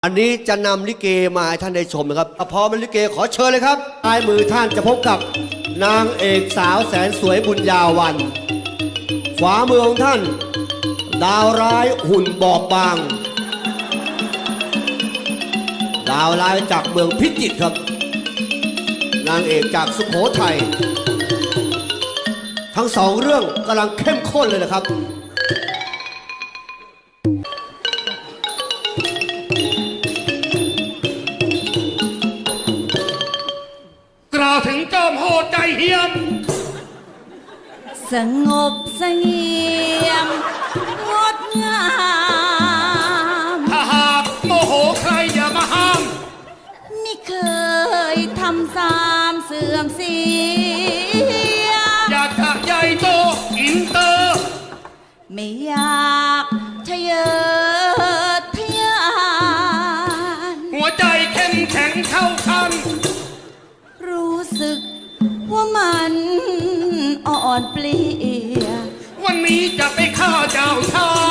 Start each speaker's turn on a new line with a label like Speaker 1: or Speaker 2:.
Speaker 1: อันนี้จะนำลิเกมาให้ท่านได้ชมนะครับพอมันลิเกขอเชิญเลยครับปลายมือท่านจะพบกับนางเอกสาวแสนสวยบุญญาวันขวามือของท่านดาวร้ายหุ่นบอบบางดาวร้ายจากเมืองพิจิตรครับนางเอกจากสุโขทัยทั้งสองเรื่องกำลังเข้มข้นเลยนะครับ
Speaker 2: กล่าวถึงจอมโหดใจเหี้ยม
Speaker 3: สงบเสงี่ยมงดงาม
Speaker 2: ถ้าหากโมโหใครอย่ามาห้าม
Speaker 3: ไม่เคยทำสามเสื่อมเสีย
Speaker 2: อยากจะใหญ่โตอินเตอร์
Speaker 3: ไม่อยากทะเยอทะยาน
Speaker 2: หัวใจเข้มแข็งเท่ากัน
Speaker 3: รู้สึกว่ามันอ่อนเปลี่ย
Speaker 2: วันนี้จะไปฆ่าเจ้าชาย